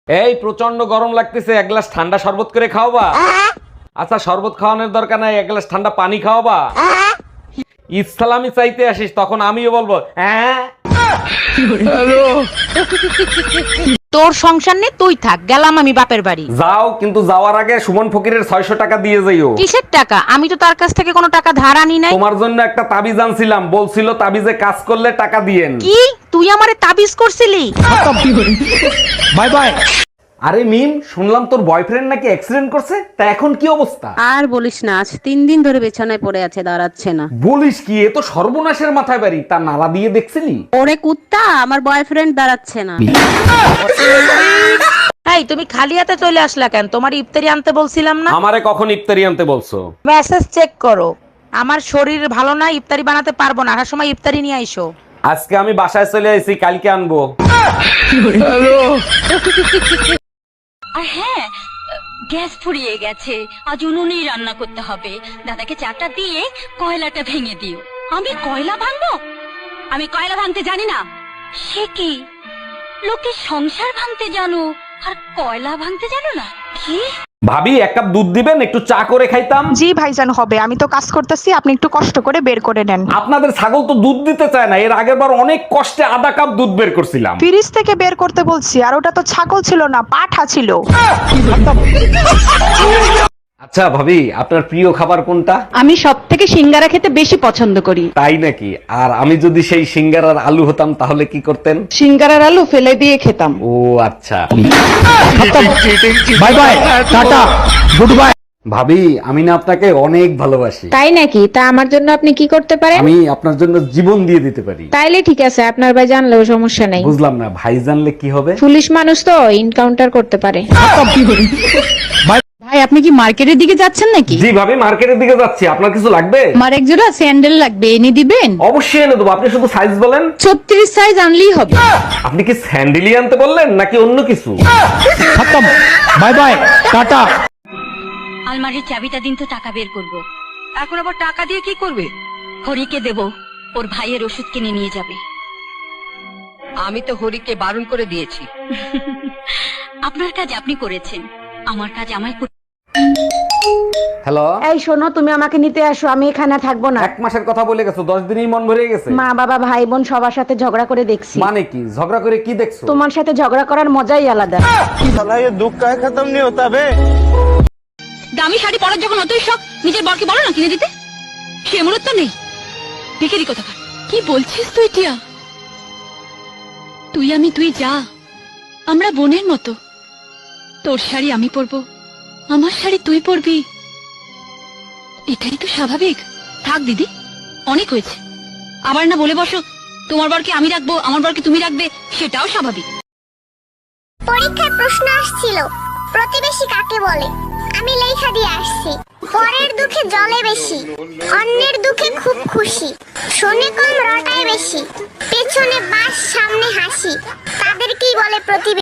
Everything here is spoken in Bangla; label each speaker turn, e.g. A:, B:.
A: এই প্রচন্ড গরম লাগতেছে, এক গ্লাস ঠান্ডা শরবত করে খাওয়াবা? আচ্ছা শরবত খাওয়ানোর দরকার নাই, এক গ্লাস ঠান্ডা পানি খাওয়াবা? ইসলামি চাইতে আসিস তখন আমিও বলবো হ্যাঁ।
B: তোর সংসার নেই, তুই থাক, গেলাম আমি বাপের বাড়ি।
A: যাও, কিন্তু যাওয়ার আগে সুমন ফকিরের 600 টাকা দিয়ে যাইও।
B: কিসের টাকা? আমি তো তার কাছ থেকে কোনো টাকা ধার আনি নাই।
A: তোমার জন্য একটা তাবিজ আনছিলাম, বলছিল তাবিজে কাজ করলে টাকা দিয়েন।
B: কি তুই আমারে তাবিজ করছিলি?
A: Bye bye. আরে মিম, শুনলাম তোর বয়ফ্রেন্ড নাকি অ্যাক্সিডেন্ট করছে, তা এখন কি অবস্থা?
C: আর বলিস না, আজ 3 দিন ধরে বিছানায় পড়ে আছে, দাঁড়াচ্ছে না।
A: বলিস কি, এ তো সর্বনাশের মাথায় বাড়ি। তা নালা দিয়ে দেখছিলি?
C: ওরে কুত্তা, আমার বয়ফ্রেন্ড দাঁড়াচ্ছে না।
B: এই তুমি খালি হাতে চলে আসলা কেন? তোমার ইফতারি আনতে বলছিলাম না?
A: আমারে কখন ইফতারি আনতে বলছো?
B: মেসেজ চেক করো। আমার শরীর ভালো না, ইফতারি বানাতে পারবো না, আসার সময় ইফতারি নিয়ে আইসো।
A: আজকে আমি বাসায় চলে আইছি, কালকে আনবো।
D: আর হ্যাঁ, গ্যাস ফুরিয়ে গেছে, আজ উনুনেই রান্না করতে হবে। দাদাকে চাটা দিয়ে কয়লাটা ভেঙে দিও। আমি কয়লা ভাঙবো? আমি কয়লা ভাঙতে জানি না। সে কি, লোকে সংসার ভাঙতে জানো আর কয়লা ভাঙতে জানো না? কি
A: ভাবি, এক কাপ দুধ দিবেন, একটু চা করে খাইতাম।
E: জি ভাইজান হবে, আমি তো কাজ করতেছি, আপনি একটু কষ্ট করে বের করে নেন।
A: আপনাদের ছাগল তো দুধ দিতে চায় না, এর আগের বার অনেক কষ্টে আধা কাপ দুধ বের করছিলাম।
E: ফ্রিজ থেকে বের করতে বলছি, আর ওটা তো ছাগল ছিল না, পাঠা ছিল।
A: আচ্ছা ভাবি, আপনার প্রিয় খাবার কোনটা?
C: আমি সব থেকে সিঙ্গারা খেতে বেশি পছন্দ করি।
A: তাই নাকি? আর আমি যদি সেই সিঙ্গারার আলু হতাম তাহলে কি করতেন?
C: সিঙ্গারার আলু ফেলে দিয়ে খেতাম।
A: ও আচ্ছা। Bye bye, tata, good bye. ভাবি, আমি না আপনাকে অনেক ভালোবাসি।
F: তাই নাকি? তা আমার জন্য আপনি কি করতে পারেন?
A: আমি আপনার জন্য জীবন দিয়ে দিতে পারি।
F: তাইলে ঠিক আছে, আপনার ভাই জানলেও সমস্যা নাই।
A: বুঝলাম না, ভাই জানলে কি হবে?
F: পুলিশ মানুষ তো এনকাউন্টার করতে পারে।
C: ভাই, আপনি কি মার্কেটের দিকে যাচ্ছেন নাকি?
A: জি ভাবি, মার্কেটের দিকে যাচ্ছি। আপনার কিছু লাগবে?
C: আমার এক জোড়া স্যান্ডেল লাগবে, এনে দিবেন?
A: অবশ্যই এনে দেবো, আপনি শুধু সাইজ বলেন।
C: 36 সাইজ আনলেই হবে।
A: আপনি কি স্যান্ডেলি আনতে বললেন নাকি অন্য কিছু?
G: Bye bye, tata.
D: আলমারির চাবিটা দিন তো, টাকা বের করব।
B: এখন আবার টাকা দিয়ে কি করবে?
D: হরিকে দেব, ওর ভাইয়ের ওষুধ কিনে নিয়ে যাবে।
B: আমি তো হরিকে বারণ করে দিয়েছি।
D: আপনার কাজ আপনি করেছেন, আমার কাজ আমায় করতে।
A: হ্যালো,
C: এই শোনো, তুমি আমাকে নিতে আসো, আমি এখানে থাকবো না।
A: 1 মাসের কথা বলে গেছো, 10 দিনেই মন ভরে গেছে।
C: মা বাবা ভাই বোন সবার সাথে ঝগড়া করে দেখছি।
A: মানে কি? ঝগড়া করে কি দেখছো?
C: তোমার সাথে ঝগড়া করার মজাই আলাদা।
D: দামি শাড়ি পরার যখন অতই শখ, নিজের বরকে বলো না কিনে দিতে। সে মুহূর্ত নেই, ভিখারি কোথাকার। কি বলছিস তুই টিয়া? তুই আমি দুই যা, আমরা বোনের মতো। তোর শাড়ি আমি পরবো, আমার শাড়ি তুই পরবি, এটাই তো স্বাভাবিক। থাক দিদি, অনেক হয়েছে। আবার না বলে বসো তোমার বরকে আমি রাখবো, আমার বরকে তুমি রাখবে, সেটাও স্বাভাবিক।
H: পরীক্ষায় প্রশ্ন আসছিল, প্রতিবেশী কাকে বলে? আমি লেখা দিয়ে আসছি, পরের দুঃখে জলে বেশি, অন্যের দুঃখে খুব খুশি, শোনে কম রটায় বেশি, পেছনে বাস সামনে হাসি, তাদেরকেই বলে প্রতিবেশী।